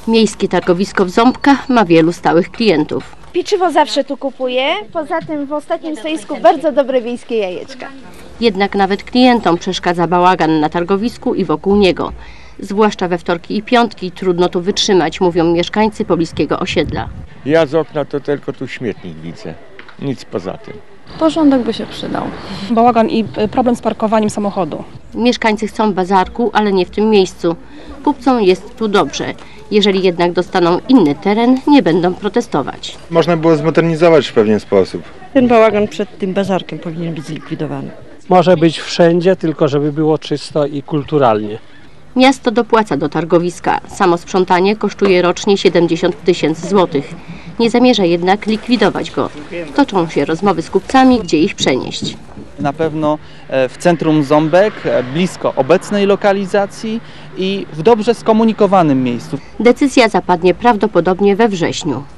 Miejskie targowisko w Ząbkach ma wielu stałych klientów. Pieczywo zawsze tu kupuję, poza tym w ostatnim stoisku bardzo dobre wiejskie jajeczka. Jednak nawet klientom przeszkadza bałagan na targowisku i wokół niego. Zwłaszcza we wtorki i piątki trudno tu wytrzymać, mówią mieszkańcy pobliskiego osiedla. Ja z okna to tylko tu śmietnik widzę, nic poza tym. Porządek by się przydał. Bałagan i problem z parkowaniem samochodu. Mieszkańcy chcą bazarku, ale nie w tym miejscu. Kupcom jest tu dobrze. Jeżeli jednak dostaną inny teren, nie będą protestować. Można było zmodernizować w pewien sposób. Ten bałagan przed tym bazarkiem powinien być zlikwidowany. Może być wszędzie, tylko żeby było czysto i kulturalnie. Miasto dopłaca do targowiska. Samo sprzątanie kosztuje rocznie 70 000 złotych. Nie zamierza jednak likwidować go. Toczą się rozmowy z kupcami, gdzie ich przenieść. Na pewno w centrum Ząbek, blisko obecnej lokalizacji i w dobrze skomunikowanym miejscu. Decyzja zapadnie prawdopodobnie we wrześniu.